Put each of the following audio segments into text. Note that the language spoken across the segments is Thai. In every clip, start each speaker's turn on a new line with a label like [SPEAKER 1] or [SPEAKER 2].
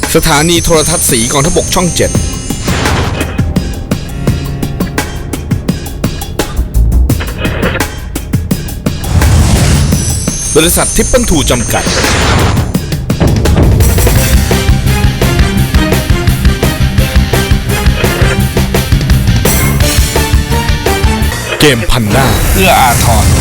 [SPEAKER 1] สถานีโทรทัศน์สีกองทพบกช่อง 7 บริษัททิปเปิลทูจำกัด เกมพันหน้าเอื้ออาทร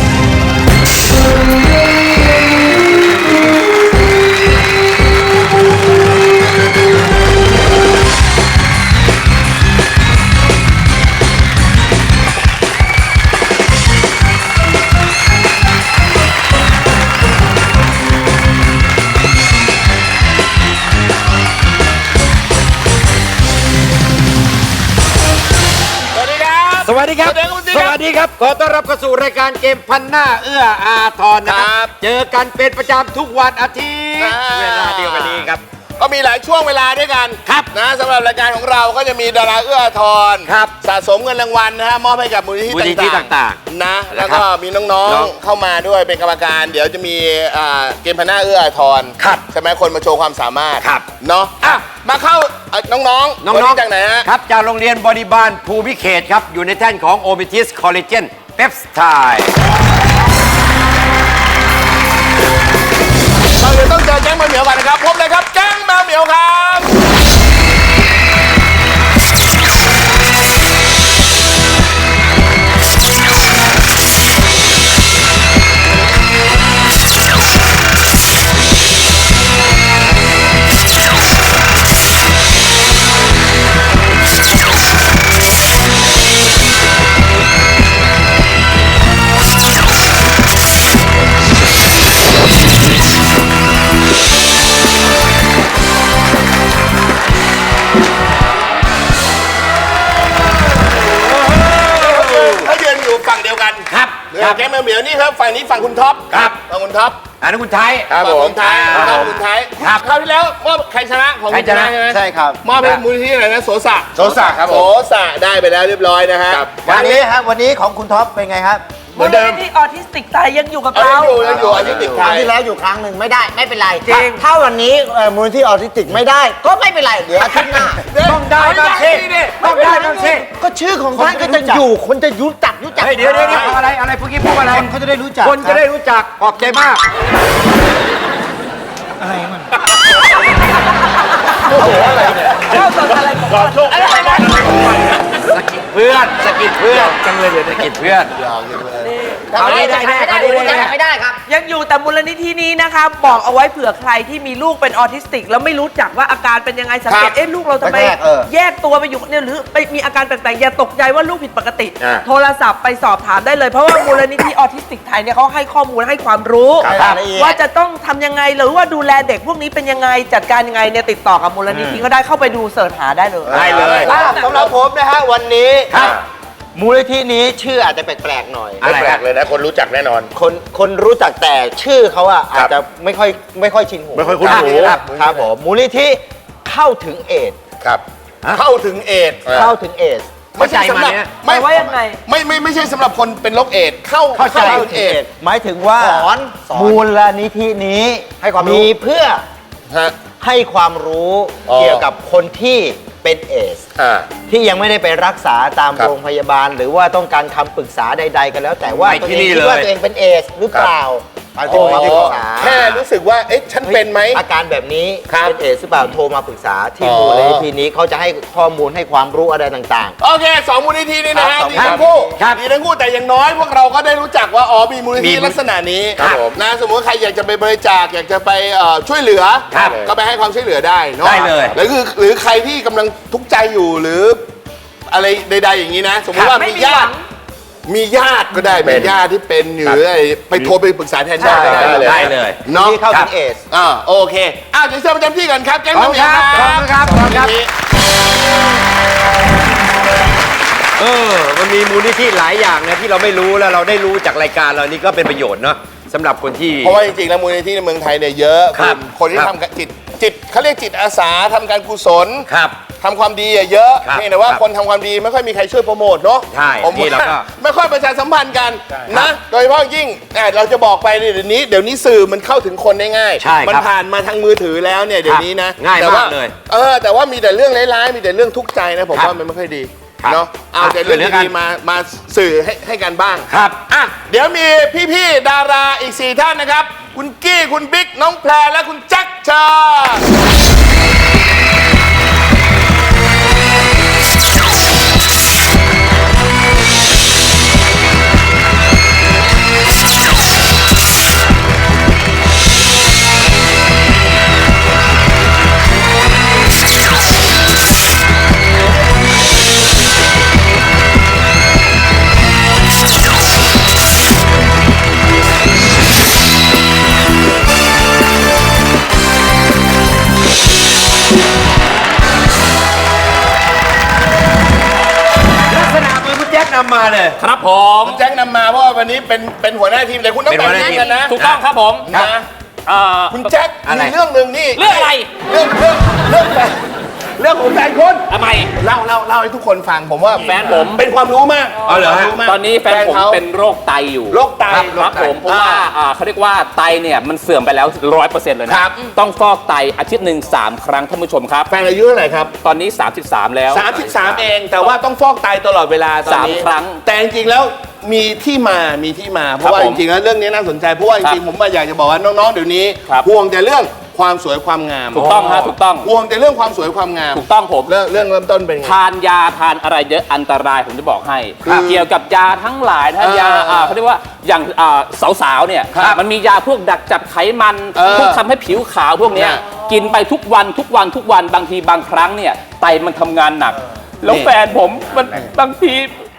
[SPEAKER 2] สวัสดีครับ สวัสดีครับ ขอต้อนรับเข้าสู่รายการเกมพันหน้าเอื้ออาทรนะครับ เจอกันเป็นประจำทุกวันอาทิตย์เวลาเดียวกันนี้ครับ
[SPEAKER 3] ก็มีหลายช่วงเวลาด้วยกัน
[SPEAKER 2] ครับ
[SPEAKER 3] นะสำหรับรายการของเราก็จะมีดาราเอื้ออาทร
[SPEAKER 2] ครับ
[SPEAKER 3] สะสมเงินรางวัลนะฮะมอบให้กับมูลนิธิต่างๆนะแล้วก็มีน้องๆเข้ามาด้วยเป็นกรรมการ เดี๋ยวจะมีเกมพันหน้าเอื้ออาทร
[SPEAKER 2] ครับ
[SPEAKER 3] ใช่ไหมคนมาโชว์ความสามารถ
[SPEAKER 2] ครับ
[SPEAKER 3] เนาะมาเข้าน้องๆ
[SPEAKER 2] น้อง
[SPEAKER 3] วันนี้
[SPEAKER 2] ๆ
[SPEAKER 3] จากไหนฮะ
[SPEAKER 2] ครับจากโรงเรียนบริบาลภูมิเขตครับอยู่ในแท่นของโอมิทิสคอลเลเจนเปปไทด์
[SPEAKER 3] เราเลยต้องเจอแก๊งแมวเหมียวกันนะครับพบเลยครับแก๊งแมวเหมียวครับฝั่งเดียวกัน
[SPEAKER 2] ครับ
[SPEAKER 3] แก๊งแมวเหมียวนี่ครับฝั่งนี้ฝั่งคุณท็อป
[SPEAKER 2] ครับ
[SPEAKER 3] ฝั่งคุณท็อป
[SPEAKER 2] อันนั้นคุณไทย
[SPEAKER 3] ครับผมท้ายคุณท้าย
[SPEAKER 2] ครับ
[SPEAKER 3] คราวที่แล้วมอบใครชนะของ
[SPEAKER 2] ใครชนะ
[SPEAKER 3] ใช่ไหม
[SPEAKER 4] ใช่ครับ
[SPEAKER 3] มอบให้มูลนิธิอะไรนะโสสะ
[SPEAKER 4] โสสะครับผม
[SPEAKER 3] โสสะได้ไปแล้วเรียบร้อยนะฮะ
[SPEAKER 4] วันนี้ของคุณท็อปเป็นไงครับ
[SPEAKER 3] เหมือนเดิม
[SPEAKER 5] ที่ออทิสติกไทยยังอยู่กับ
[SPEAKER 3] เอา
[SPEAKER 5] เรา
[SPEAKER 3] ยังอยู่อาทิตย์ติด
[SPEAKER 4] ค
[SPEAKER 3] ไท
[SPEAKER 4] รั้ง
[SPEAKER 3] ย
[SPEAKER 4] ที่แล้วอยู่ครั้งหนึ่งไม่ได้ไม่เป็นไร
[SPEAKER 5] จริง
[SPEAKER 4] ถ้าวันนี้มูลที่ออทิสติกไม่ได้ ก็ไม่เป็นไรเดี๋ยวอาทิตย์หน้า
[SPEAKER 2] ต้องได้บ้างสิต้องได้บ้างสิ
[SPEAKER 4] ก็ชื่อของท่านก็จะอยู่คนจะรู้จัก
[SPEAKER 2] เฮ้ยเดี๋ยวอะไรพวกนี้พูดอะไร
[SPEAKER 4] คนเขาจะได้รู้จัก
[SPEAKER 2] คนจะได้รู้จักขอบใจมาก
[SPEAKER 5] เข้าสดอะไรก่อนอะไรนะ
[SPEAKER 2] สกิดเพื่อนสกิดเพื่อนจังเลยเดี๋ยวสกิดเพื่อนเอาได้แน่เอาได้แน่
[SPEAKER 4] ไม่ได้ครับ
[SPEAKER 5] ยังอยู่แต่มูลนิธินี้นะคะบอกเอาไว้เผื่อใครที่มีลูกเป็นออทิสติก แล้วไม่รู้จักว่าอาการเป็นยังไงสังเกตลูกเราทำไมแยกตัวไปอยู่เนี่ยหรือไปมีอาการแปลกๆอย่าตกใจว่าลูกผิดปกติ โทรศัพท์ไปสอบถามได้เลยเพราะว่ามูลนิธิออทิสติกไทยเนี่ยเขาให้ข้อมูลให้ความรู้ ว่าจะต้องทำยังไงหรือว่าดูแลเด็กพวกนี้เป็นยังไงจัดการยังไงเนี่ยติดต่อกับมูลนิธิก็ได้เข้าไปดูเสิร์ชหาได้เลย
[SPEAKER 2] ได้เลย
[SPEAKER 4] สำหรับผมนะฮะวันนี้มูลนิธินี้ชื่ออาจจะแปลกๆหน่อย
[SPEAKER 3] ไม่แปลกเลยนะคนรู้จักแน่นอน
[SPEAKER 4] คนรู้จักแต่ชื่อเขาอะอาจจะไม่ค่อยชินหู
[SPEAKER 3] ไม่ค่อยคุ้นหู
[SPEAKER 4] ครับผมมูลนิธิเข้าถึงเอดส์
[SPEAKER 3] ครับเข้าถึงเอดส์
[SPEAKER 4] เข้าถึงเอดส์
[SPEAKER 3] ไม่ใช่สำหรับ
[SPEAKER 5] หมายว่ายังไง
[SPEAKER 3] ไม่ใช่สำหรับคนเป็นโรคเอดส์เข้าถึงเอดส์
[SPEAKER 4] หมายถึงว่ามูลนิธินี้ให้ความมีเพื่อ
[SPEAKER 3] ฮะ
[SPEAKER 4] ให้ความรู้
[SPEAKER 3] อ๋อ
[SPEAKER 4] เกี่ยวกับคนที่เป็นเอดส์ ที่ยังไม่ได้ไปรักษาตาม
[SPEAKER 3] ครับ
[SPEAKER 4] โรงพยาบาล หรือว่าต้องการคำปรึกษาใดๆกันแล้ว แต่ว่า
[SPEAKER 2] ไป
[SPEAKER 4] ตัว
[SPEAKER 2] ที่
[SPEAKER 4] เอง
[SPEAKER 2] นี่
[SPEAKER 4] คิดว่า
[SPEAKER 2] เลย
[SPEAKER 4] ตัวเองเป็นเอดส์หรือเปล่าไปโทรมาปรึกษา
[SPEAKER 3] แค่รู้สึกว่าเอ๊ะฉันเป็นไหม
[SPEAKER 4] อาการแบบนี้
[SPEAKER 3] ครับ
[SPEAKER 4] เป็นเอดส์หรือเปล่าโทรมาปรึกษาที่
[SPEAKER 3] อ๋อ
[SPEAKER 4] มูลนิธินี้เขาจะให้ข้อมูลให้ความรู้อะไรต่าง
[SPEAKER 3] โอเคสองมูลนิธินี่นะฮะ
[SPEAKER 4] ครับ
[SPEAKER 3] ดีทั้งคู่
[SPEAKER 2] ครับ
[SPEAKER 3] ดีทั้งคู่แต่อย่างน้อยพวกเราก็ได้รู้จักว่าอ๋อมีมูลนิธิลักษณะนี้
[SPEAKER 2] ครับผม
[SPEAKER 3] นะสมมติว่าใครอยากจะไปบริจาคอยากจะไปช่วยเหลือ
[SPEAKER 2] ครับ
[SPEAKER 3] ก็ไปให้ความช่วยเหลือได้เนาะ
[SPEAKER 2] ได้เลย
[SPEAKER 3] หรือใครที่กำลังทุกข์ใจอยู่หรืออะไรใดๆอย่างนี้นะ สมมติว่า
[SPEAKER 5] ไม่
[SPEAKER 3] มี
[SPEAKER 5] มี
[SPEAKER 3] ญา
[SPEAKER 5] หวั
[SPEAKER 3] ติ
[SPEAKER 5] ง
[SPEAKER 3] มีญาติก็ได้มีญาติที่เป็นหรืออะไรไปโทรไปปรึกษาแทนญาติ
[SPEAKER 4] ใช่
[SPEAKER 2] ได้เลย
[SPEAKER 4] ๆ
[SPEAKER 3] เนาะ
[SPEAKER 4] ที่เข้าถึงเอดส์
[SPEAKER 3] โอเคเดี๋ยวเชิญประจำที่กันครับแก๊ง
[SPEAKER 2] ขอบคุณ
[SPEAKER 3] น้ำเหมียว
[SPEAKER 2] ครับ
[SPEAKER 3] ครับ
[SPEAKER 2] ขอบคุณครับมันมีมูลนิธิหลายอย่างนะที่เราไม่รู้แล้วเราได้รู้จากรายการเรานี่ก็เป็นประโยชน์เนาะสำหรับคนที่
[SPEAKER 3] เพราะว่าจริงๆแล้วมูลนิธิในเมืองไทยเนี่ยเยอะ
[SPEAKER 2] ครับ
[SPEAKER 3] คนที่
[SPEAKER 2] ครับ
[SPEAKER 3] ทำจิตเขาเรียกจิตอาสาทำการกุศล
[SPEAKER 2] ครับ
[SPEAKER 3] ทำความดีเยอะ
[SPEAKER 2] ครับ
[SPEAKER 3] เพียงแต่ว่า
[SPEAKER 2] ครับ
[SPEAKER 3] คนทำความดีไม่ค่อยมีใครช่วยโปรโมทเนาะ
[SPEAKER 2] ใช่
[SPEAKER 3] ผม
[SPEAKER 2] นี่เราก็
[SPEAKER 3] ไม่ค่อยประชาสัมพันธ์กันนะโดยเฉพาะยิ่งเราจะบอกไปเดี๋ยวนี้สื่อมันเข้าถึงคนได้ง่าย
[SPEAKER 2] ใช่ครับ
[SPEAKER 3] มันผ่านมาทางมือถือแล้วเนี่ยเดี๋ยวนี้นะ
[SPEAKER 2] ง่าย
[SPEAKER 3] แต่ว่
[SPEAKER 2] มากเลย
[SPEAKER 3] แต่ว่ามีแต่เรื่องร้ายๆมีแต่เรื่องทุกข์ใจนะผม
[SPEAKER 2] ครับ
[SPEAKER 3] ว่ามันไม่ค่อยดี
[SPEAKER 2] ครับ
[SPEAKER 3] เนาะเอา
[SPEAKER 2] ครับ
[SPEAKER 3] แต่เรื่อง
[SPEAKER 2] เรื่องกั
[SPEAKER 3] ดี
[SPEAKER 2] น
[SPEAKER 3] ๆมาสื่อให้กันบ้าง
[SPEAKER 2] ครับ
[SPEAKER 3] อ่ะเดี๋ยวมีพี่ๆดาราอีก 4 ท่านนะครับ คุณกี้คุณบิ๊กน้องแพรและคุณแจ็คเชิญ
[SPEAKER 2] ลักษณะมือคุณแจ็คนำมาเลย
[SPEAKER 1] ครับผม
[SPEAKER 3] คุณแจ็คนำมาเพราะว่าวันนี้เป็นหัวหน้าทีมเลยคุณต้อง
[SPEAKER 2] เป็น
[SPEAKER 3] แต่
[SPEAKER 2] หั
[SPEAKER 3] ง
[SPEAKER 2] วหน้า
[SPEAKER 3] ทีม
[SPEAKER 2] ทีม
[SPEAKER 3] กันนะ
[SPEAKER 1] ถูกต้องครับผม
[SPEAKER 3] นะ คุณแจ็ค
[SPEAKER 2] อะไร
[SPEAKER 3] มีเรื่องหนึ่งนี่
[SPEAKER 1] เรื่องอะไร
[SPEAKER 3] เรื่องเรื่องของแฟนคุณ
[SPEAKER 1] ทำไม
[SPEAKER 3] เล่าให้ทุกคนฟังผมว่า
[SPEAKER 1] แฟนผม
[SPEAKER 3] เป็นความรู้มาก
[SPEAKER 2] อ๋อเหรอฮะ
[SPEAKER 3] ความมาก
[SPEAKER 1] ตอนนี้แฟนผม
[SPEAKER 3] ขา
[SPEAKER 1] เป็นโรคไตอยู่
[SPEAKER 3] โรคไต
[SPEAKER 1] ครับผมเพราะว่าเขาเรียกว่าไตเนี่ยมันเสื่อมไปแล้ว 100%เลยนะครับ ต้องฟอกไตอาทิตย์หนึ่ง3 ครั้งท่านผู้ชมครับ
[SPEAKER 3] แฟนอายุเท่าไหร่ครับ
[SPEAKER 1] ตอนนี้ 33 แล้ว
[SPEAKER 3] 33 เองแต่ว่าต้องฟอกไตตลอดเวลาตอนนี้
[SPEAKER 1] 3 ครั้ง
[SPEAKER 3] แต่จริงๆแล้วมีที่มาเพราะว่า
[SPEAKER 1] ผ
[SPEAKER 3] จ
[SPEAKER 1] ม
[SPEAKER 3] ริงๆแล้วเรื่องนี้น่าสนใจเพราะว่าจริงๆผมอยากจะบอกว่าน้องๆเดี๋ยวนี้
[SPEAKER 1] ครับ
[SPEAKER 3] ห่วงแต่เรื่องความสวยความงาม
[SPEAKER 1] ถูกต้องฮะถูกต้อง
[SPEAKER 3] ห่วงแต่เรื่องความสวยความงาม
[SPEAKER 1] ถูกต้องผม
[SPEAKER 3] เริ่มต้นเป็นไง
[SPEAKER 1] ทานยาทานอะไรเยอะอันตรายผมจะบอกให้
[SPEAKER 3] ครับ
[SPEAKER 1] เกี่ยวกับยาทั้งหลายถ้ายาเขาเรียกว่าอย่างสาวๆเนี่ย
[SPEAKER 3] ครับ
[SPEAKER 1] มันมียาพวกดักจับไขมัน พวกทำให้ผิวขาวพวกเนี้ย
[SPEAKER 3] เนี่ย
[SPEAKER 1] กินไปทุกวันบางทีบางครั้งเนี่ยไตมันทำงานหนัก แล้วแฟนผมมันบางที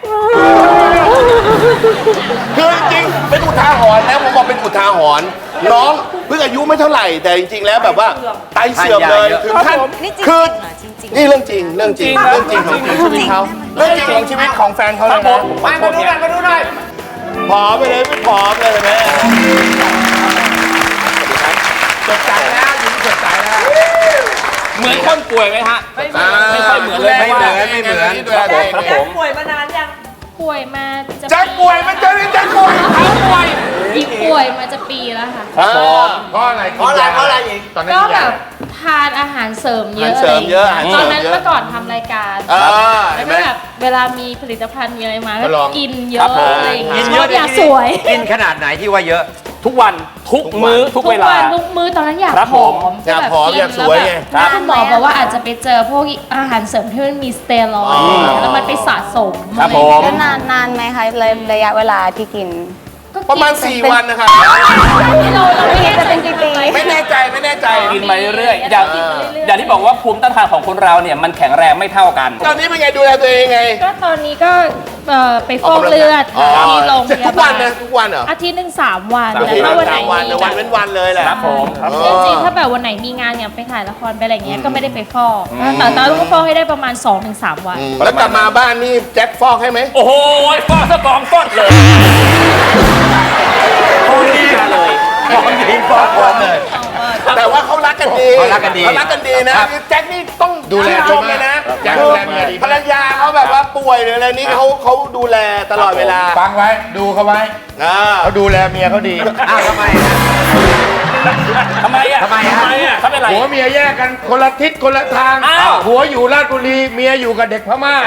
[SPEAKER 3] คือจริงๆเป็นอุทาหรณ์นะผมบอกเป็นอุทาหรณ์น้องเพิ่งอายุไม่เท่าไหร่แต่จริงๆแล้วแบบว่าไตเสื่อมเลยถึงขั้น
[SPEAKER 6] นี่จริง
[SPEAKER 3] คือ
[SPEAKER 6] เหรอจริง
[SPEAKER 3] นี่เรื่องจริงของชีวิตเขาเรื่องจริงของชีวิตของแฟนเขาเลยนะ
[SPEAKER 2] มาดูหน่อย
[SPEAKER 3] ผอมไปเลยไม่ผอมเลยแม่สดใสแล้วยิ้มสดใสแล้ว
[SPEAKER 1] เหมือนคนป่วยไหมฮะไม่ค่อยเหมือนเลย
[SPEAKER 2] ไม่เหมือนไม่เหมือน
[SPEAKER 1] ครับผม
[SPEAKER 5] ป่วยมานานยัง
[SPEAKER 7] ป่วยมาจะ
[SPEAKER 3] แจ็คป่วยมันจะนี่แจ็คป่วยเขาป่วย
[SPEAKER 7] อีกป่วยมาจะปีแล้วค่ะ
[SPEAKER 3] เพราะอะไรอีกตอนนั้น
[SPEAKER 7] ก็แบบทานอาหารเสริมเยอะ
[SPEAKER 3] อาหารเสริมเยอะอาหารเสริมเยอะ
[SPEAKER 7] ตอนนั้นเมื่อก่อนทำรายการ
[SPEAKER 3] เห็
[SPEAKER 7] แล้ว
[SPEAKER 3] นไหม
[SPEAKER 7] ก็แบบเวลามีผลิตภัณฑ์มีอะไรมา
[SPEAKER 3] ก็ลอง
[SPEAKER 7] กินเย
[SPEAKER 1] ครั
[SPEAKER 7] อะ
[SPEAKER 1] บผม
[SPEAKER 7] อะไรอย่าง
[SPEAKER 2] กิ
[SPEAKER 7] เงี้
[SPEAKER 2] น
[SPEAKER 7] ย
[SPEAKER 2] เยอะ
[SPEAKER 7] อยากสวย
[SPEAKER 2] กินขนาดไหนที่ว่าเยอะ
[SPEAKER 1] ทุกวันทุกมื้อทุก
[SPEAKER 7] ทุก
[SPEAKER 1] เวลา
[SPEAKER 7] วันทุกมื้อตอนนั้นอยาก
[SPEAKER 1] ครับ
[SPEAKER 7] ผ
[SPEAKER 1] ผ
[SPEAKER 7] อ
[SPEAKER 1] ม
[SPEAKER 7] ม
[SPEAKER 3] อยากผอม
[SPEAKER 7] จะแบบ
[SPEAKER 3] อยากสวยไง
[SPEAKER 7] แล้วคุณหมอบอกว่าอาจจะไปเจอพวกอาหารเสริมที่มันมีสเตียรอยด์แล้วมันไปสะสม
[SPEAKER 1] ครับ
[SPEAKER 7] อะ
[SPEAKER 1] ผ
[SPEAKER 7] ไรอย่าง
[SPEAKER 1] ม
[SPEAKER 7] เงี้ย
[SPEAKER 6] ๆนานไหมคะระยะเวลาที่กิน
[SPEAKER 7] ก็กิน
[SPEAKER 3] ประมาณ 4 วันนะครับ
[SPEAKER 7] เราไม่แน่
[SPEAKER 6] จะ
[SPEAKER 7] ใจ
[SPEAKER 6] เป็นปี
[SPEAKER 3] ไม่แน่ใจ
[SPEAKER 1] กินมาเรื่อยๆอย่างที่บอกว่าภูมิต้านทานของคนเราเนี่ยมันแข็งแรงไม่เท่ากัน
[SPEAKER 3] ตอนนี้เป็นไงดูแลตัวเองไง
[SPEAKER 7] ก็ตอนนี้ก็ไปฟอกเลือดที่โรงพ
[SPEAKER 3] ทุ
[SPEAKER 7] ยาก
[SPEAKER 3] วั
[SPEAKER 7] บาน ล
[SPEAKER 3] นะทุกวันเหรอ
[SPEAKER 7] อาทิตย์หนึ่ง3 วัน
[SPEAKER 1] สาม
[SPEAKER 7] แต่
[SPEAKER 1] วัน
[SPEAKER 7] ถ้าวันไหน
[SPEAKER 3] 3 วัน
[SPEAKER 7] มี
[SPEAKER 3] วันเว้นวันเลยแหละ
[SPEAKER 1] ครับผมครับผ
[SPEAKER 7] จ
[SPEAKER 1] ม
[SPEAKER 7] ริงๆถ้าแบบวันไหนมีงานอย่างไปถ่ายละครไปอะไรเงี้ยก็ไม่ได้ไปฟอกแต่ต้องฟอกให้ได้ประมาณ 2-3 วัน
[SPEAKER 3] แล้วกลับมาบ้านนี่แจ็คฟอกให้ไหม
[SPEAKER 1] โอ้โหฟอดสะกองฟอดเลยโอ้ดีเลย
[SPEAKER 3] แต่ว่าเขารักกันดี
[SPEAKER 2] เขารักกันดี
[SPEAKER 3] นะแจ็คนี่ต้อง
[SPEAKER 2] ดูแล
[SPEAKER 3] ชมเลยนะ
[SPEAKER 2] แจ็คดูแลเมียดี
[SPEAKER 3] ภรรยาเขาแบบว่าป่วยหรืออะไรนี่เขาดูแลตลอดเวลา
[SPEAKER 2] ฟังไว้ดูเขาไว้ เขาดูแลเมียเขาดีอ้าวทำไมฮะ
[SPEAKER 1] ทำไมอ่ะ
[SPEAKER 2] ทำไมฮะ
[SPEAKER 1] เขาเป็นไร
[SPEAKER 8] ผัวเมียแยกกันคนละทิศคนละทาง
[SPEAKER 1] อ้าว
[SPEAKER 8] ผัวอยู่ราชบุรีเมียอยู่กับเด็กพม่า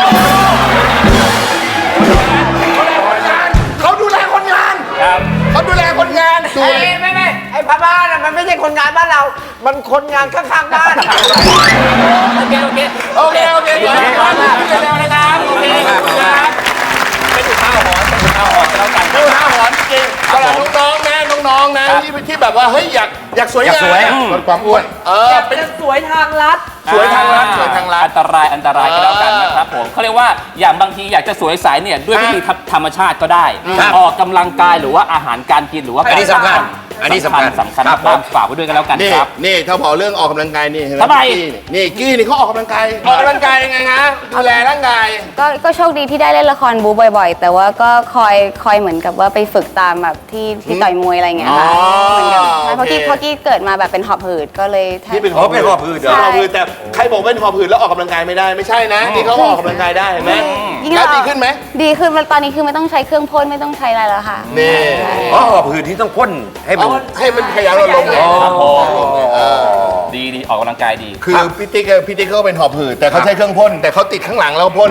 [SPEAKER 3] เขาดูแลคนงาน
[SPEAKER 1] ครับ
[SPEAKER 3] เขาดูแลคนงานดูแล
[SPEAKER 4] ไม่ไอ้พม่าน่ะมันไม่ใช่คนงานบ้านเรา มันคนงานข้างๆบ้าน
[SPEAKER 1] โอเค
[SPEAKER 3] โอเค
[SPEAKER 1] เดี๋ยวนะครับเร็วๆนะครับโอเคครับเป็นอุทาหรณ์กันแล้วกัน
[SPEAKER 3] ดูหน้าหอนจริงสำหรับน้องๆนะที่แบบว่าเฮ้ยอยากสวย
[SPEAKER 2] อยากสวย
[SPEAKER 3] งาม
[SPEAKER 8] ลดความอ้วน
[SPEAKER 3] เป็น
[SPEAKER 5] จะสวยทางลัด
[SPEAKER 3] สวยทางรัฐ
[SPEAKER 1] อันตรายกันแล้วกันนะครับผมเขาเรียกว่าอย่างบางทีอยากจะสวยใสเนี่ยด้วยวิธีธรรมชาติก็ได้ ออกกำลังกายหรือว่าอาหารการกินหรือว่า
[SPEAKER 2] อันนี้สำคัญอันนี้สำคัญ
[SPEAKER 1] สำคัญ
[SPEAKER 2] ครับ
[SPEAKER 1] มากฝากไว้ด้วยกันแล้วกัน
[SPEAKER 3] นี่
[SPEAKER 1] ครับ
[SPEAKER 3] นี่ถ้าพอเรื่องออกกำลังกายนี่เห็นไหม
[SPEAKER 1] ทำไม
[SPEAKER 3] นี่กี้นี่เขาออกกำลังกายยังไงฮะดูแลร่างกาย
[SPEAKER 6] ก็โชคดีที่ได้เล่นละครบูบ่อยๆ แต่ว่าก็คอยเหมือนกับว่าไปฝึกตามแบบที่ต่อยมวยอะไรเงี้ยค่ะ
[SPEAKER 3] อ๋อ
[SPEAKER 6] เหมือนกับใช่เพราะ
[SPEAKER 3] โอเค
[SPEAKER 6] กี้เกิดมาแบบเป็นหอบหืดก็เลยแทบ
[SPEAKER 3] นี่เป็น
[SPEAKER 2] อ๋อเป็นหอบหืดเหรอ
[SPEAKER 3] เป็นหอบหืดแต่ใครบอกเป็นหอบหืดแล้วออกกำลังกายไม่ได้ไม่ใช่นะนี่เขาออกกำลังกายได้เห็นไหม
[SPEAKER 6] ยิ่ง
[SPEAKER 3] แล้ว
[SPEAKER 6] เรา
[SPEAKER 3] ดีขึ้นไหม
[SPEAKER 6] ดีขึ้นตอนนี้คือไม่ต้องใช้เครื่องพ่นไม่ต้องใช้อะไรแล้วค่ะ
[SPEAKER 3] นี่
[SPEAKER 2] อ๋อหอบหืดที่ต้องพ่นให้มัน
[SPEAKER 3] ให้มันขยายเราลงเลย
[SPEAKER 1] ครับผมดีออกกำลังกายดี
[SPEAKER 3] คือพี่ติ๊กเขาเป็นหอบหืดแต่เขาใช้เครื่องพ่นแต่เขาติดข้างหลังแล้วพ่น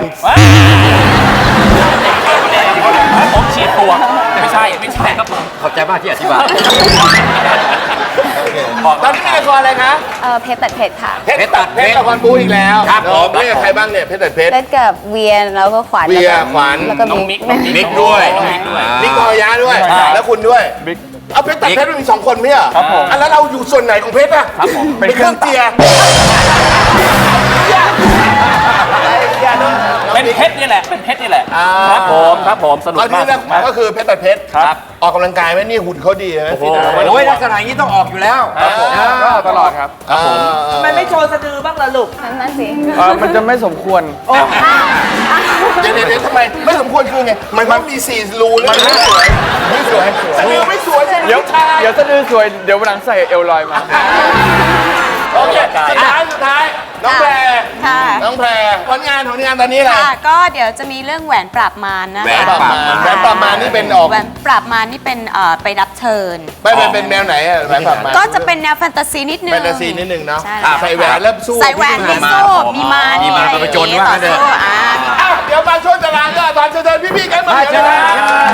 [SPEAKER 1] ผมฉีดปวกไม่ใช่ครับผม
[SPEAKER 2] ขอบใจมากที่อธิบาย
[SPEAKER 3] ตอนนี้มีละครอะไรคะ
[SPEAKER 6] เพชรตัดเพชรค่ะ
[SPEAKER 3] เพชรตัดเพชรละครบูอีกแล้ว
[SPEAKER 2] ครับผม
[SPEAKER 3] เล่นกับใครบ้างเนี่ยเพชรตัดเพชร
[SPEAKER 6] เล่นกับเวียนแล้วก็ขวัญ
[SPEAKER 3] เวียขวัญ
[SPEAKER 6] แล้วก็
[SPEAKER 1] น้องมิกน้อง
[SPEAKER 2] มิกด้วย
[SPEAKER 1] น้องมิกด้วย
[SPEAKER 3] นิกกรยาด้วย
[SPEAKER 1] ใช่
[SPEAKER 3] แล้วคุณด้วยเอาเพชรตัดเพชรมันมี2 คนไหมอ่ะ
[SPEAKER 1] ครับผม
[SPEAKER 3] อันแล้วเราอยู่ส่วนไหนของเพชรอ่ะ
[SPEAKER 1] ครับผม
[SPEAKER 3] เป็นเครื่องเจียร์
[SPEAKER 1] เป็นเพชรนี่แหละเป็นเพชรนี่แหละ
[SPEAKER 3] อ่า
[SPEAKER 1] ครับผมสนุก
[SPEAKER 3] เอา
[SPEAKER 1] มา
[SPEAKER 3] ที่
[SPEAKER 1] ก
[SPEAKER 3] นั่นก็คือเพชรตัดเพชร
[SPEAKER 1] ครับ
[SPEAKER 3] ออกกำลังกายไหมนี่หุ่นเขาดีไหมฟิตเหรอ
[SPEAKER 2] โอ้ยลักษณะอย่างนี้ต้องออกอยู่แล้ว
[SPEAKER 8] ก็ตลอดครับ
[SPEAKER 5] ทำไมไม่โชว์สะดือบ้างล่ะลูก
[SPEAKER 6] นั่นสิ
[SPEAKER 8] มันจะไม่สมควร
[SPEAKER 3] เดี๋ยวทำไมไม่สมควรคือไงมันมี4 รูเลยไม่สวยสะดือไม่สวย
[SPEAKER 8] เดี๋ยวสะดือสวย เดี๋ยววันหลังใส่เอลลอยมา
[SPEAKER 3] โอเคสุดท้ายน้องแพร
[SPEAKER 9] ค่ะ
[SPEAKER 3] น้องแพรผลงานตอนนี้อะไร
[SPEAKER 9] ค่ะ ก็เดี๋ยวจะมีเรื่องแหวนปราบมารนะคะ
[SPEAKER 3] แหวนปราบมารแหวนปราบมารนี่เป็นออก
[SPEAKER 9] แหวนปราบมารนี่เป็นไปรับเชิญ
[SPEAKER 3] ไม่เป็นแนวไหนอะแหวนปราบมาร
[SPEAKER 9] ก็จะเป็นแนวแฟนตาซีนิดนึง
[SPEAKER 3] แฟนตาซีนิดนึงเนาะ
[SPEAKER 9] ใช่
[SPEAKER 3] ใส่แหวนแล้วสู้
[SPEAKER 9] ใส่แหวนมีสู้มีมาร
[SPEAKER 2] มีมารประจนว่างั้นเถอะ
[SPEAKER 9] ต่อสู้อ่า
[SPEAKER 3] อ้าวเดี๋ยวมาช่วยตารางก็ตอนเชิญพี่ๆกันมาเดี๋ยวนะ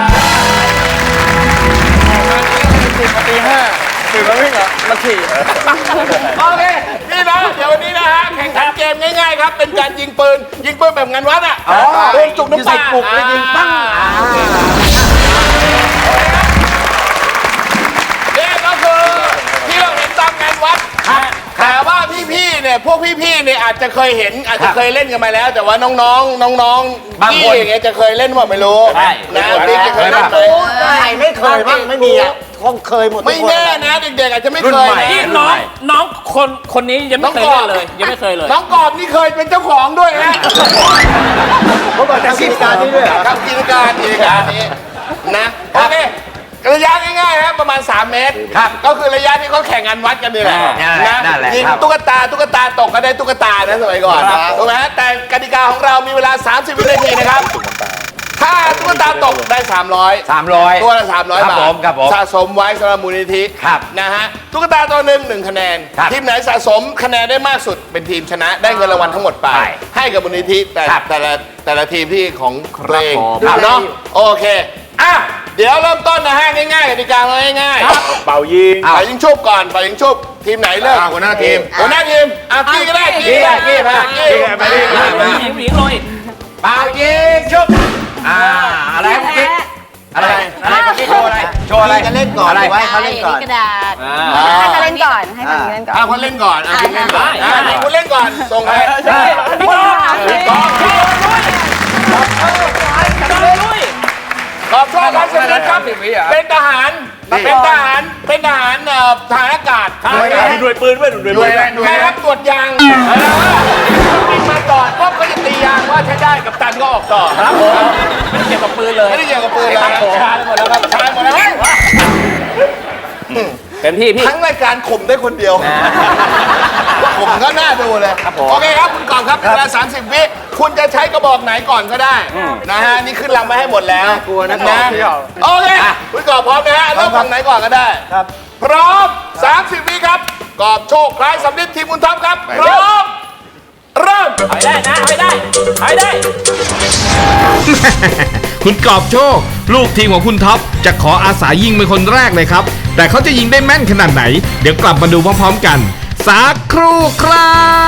[SPEAKER 8] ตื่นมาวิ่งเหรอมาขี่
[SPEAKER 3] โอเคนี่นะเดี๋ยววันนี้นะฮะแข่งขันเกมง่ายๆครับเป็นการยิงปืนแบบงานวัดอ่ะปืนจุกน้ำปลาปลุกแล้วยิงปั้งนี่ก็คือที่เราเห็นตามงานวัดแต่ว่าพี่ๆเนี่ยพวกพี่ๆเนี่ยอาจจะเคยเห็นอาจจะเคยเล่นกันมาแล้ว แต่ว่าน้องๆ
[SPEAKER 2] บางคน
[SPEAKER 3] พี่อย่างเงี้ยจะเคยเล่นว่าไม่รู้
[SPEAKER 1] ใช่
[SPEAKER 3] นะพี่จะเคยเล่นไหม
[SPEAKER 4] ใครไม่เคยบ้างไม่มีอ่ะคงเคยหมดทุก
[SPEAKER 3] ไม่
[SPEAKER 4] คน
[SPEAKER 3] แน่นะเด็กๆอาจจะไม่
[SPEAKER 2] รุ่
[SPEAKER 3] เคน ย
[SPEAKER 2] ใหม่
[SPEAKER 3] นะ
[SPEAKER 1] นี่น้องคนนี้ยังไม่เคยเล่นเลยยังไม่เคยเลย
[SPEAKER 3] น้องกอบนี่เคยเป็นเจ้าของด้วยนะ
[SPEAKER 4] เขาบอกแต่กิจการนี้ด้วยเหรอ
[SPEAKER 3] ครับกิจการนี้นะโอเคระยะง่ายๆครับประมาณ 3 เมตร
[SPEAKER 2] ครับ
[SPEAKER 3] ก็คือระยะที่เขาแข่งงานวัดกันนี่แหละ
[SPEAKER 2] นั่นแหละ
[SPEAKER 3] ยิง
[SPEAKER 2] ครับ
[SPEAKER 3] ตุ๊กตาตกก็ได้ตุ๊กตานะสมัยก่อนถูกไหมแต่กติกาของเรามีเวลา 30 วินาทีนะครับ ถ้าตุ๊กตาตกได้ 300
[SPEAKER 2] 300
[SPEAKER 3] ตัวละ300 บาท
[SPEAKER 2] ครับผม
[SPEAKER 3] สะสมไว้สำหรับมูลนิธิ
[SPEAKER 2] ครับ
[SPEAKER 3] นะฮะตุ๊กตาตัวหนึ่ง1 คะแนน
[SPEAKER 2] ครับ
[SPEAKER 3] ทีมไหนสะสมคะแนนได้มากสุดเป็นทีมชนะ ได้เงินรางวัลทั้งหมดไป
[SPEAKER 2] ใช่
[SPEAKER 3] ให้กับมูลนิธิ
[SPEAKER 2] ครับ
[SPEAKER 3] แต่ละทีมที่ของตัวเอง
[SPEAKER 2] ครับ
[SPEAKER 3] เนาะโอเคอ่ะเดี๋ยวเริ่มต้นนะฮะง่ายๆกติกาง่ายๆ
[SPEAKER 8] เป่ายิง
[SPEAKER 3] ไปยิงชุบก่อนไปยิงชุบทีมไหนเริ่มหัวหน้าทีมกี้ก็ได้กี้ก็ได้กี้มากี้
[SPEAKER 2] ไปดิ
[SPEAKER 1] ผู้หญิงเลย
[SPEAKER 2] เปล่ายิงชุบอะไรเมื่อกี้อะไรเมื่อกี้โชว์อะไรโชว์อะไร
[SPEAKER 4] จะเล่นก่อน
[SPEAKER 2] อะไร
[SPEAKER 4] ไว้เขาเล่นก่อน
[SPEAKER 9] กระดาษ
[SPEAKER 6] ให้เขาเล่นก่อนให้ฝั่งนี้เล่นก่อน
[SPEAKER 3] คุณเล่นก่อนคุณเล่นก่อนคุณเล่นก่อนส่งให้
[SPEAKER 1] พี่กอง
[SPEAKER 3] ขอบคุณครับสวัสดีครับเป็นทหารทหารอากาศ
[SPEAKER 8] มีด้วยปืนด้วยด้วย
[SPEAKER 3] ใครครับตรวจยางบินมาก่อนปุ๊บก็จะตียางว่าใช้ได้กับตันก็ออกต่อ
[SPEAKER 1] ครับผมไม่เกี่ยวกับปืนเลย
[SPEAKER 3] ไม่ได้เกี่ยวกับปืนเลย
[SPEAKER 1] ชาร์จหมดแล้วครับ
[SPEAKER 3] ชายหมดแล้ว
[SPEAKER 1] เป็นพี่
[SPEAKER 3] ทั้งรายการข่มได้คนเดียวข่มก็น่าดูเลย
[SPEAKER 1] ครับผม
[SPEAKER 3] โอเคครับคุณกองครับเวลา30 วิคุณจะใช้กระบอกไหนก่อนก็ได้นะฮะนี่ขึ้นลำมาให้หมดแล้ว
[SPEAKER 4] กลัวนะกองเที่ยว
[SPEAKER 3] โอเคคุณกอบพร้อมนะฮะเริ่มฝั่งไหนก่อนก็ได้ครับพร้อม 30 วิครับกอบโชคคล้ายสำลิดทีมคุณท็อปครับพร้อมเริ่ม
[SPEAKER 1] ไปได้นะไปได้
[SPEAKER 10] คุณกอบโชค ลูกทีมของคุณท็อปจะขออาสายิงเป็นคนแรกเลยครับ แต่เขาจะยิงได้แม่นขนาดไหน เดี๋ยวกลับมาดูพร้อมๆกัน สักครู่ครับ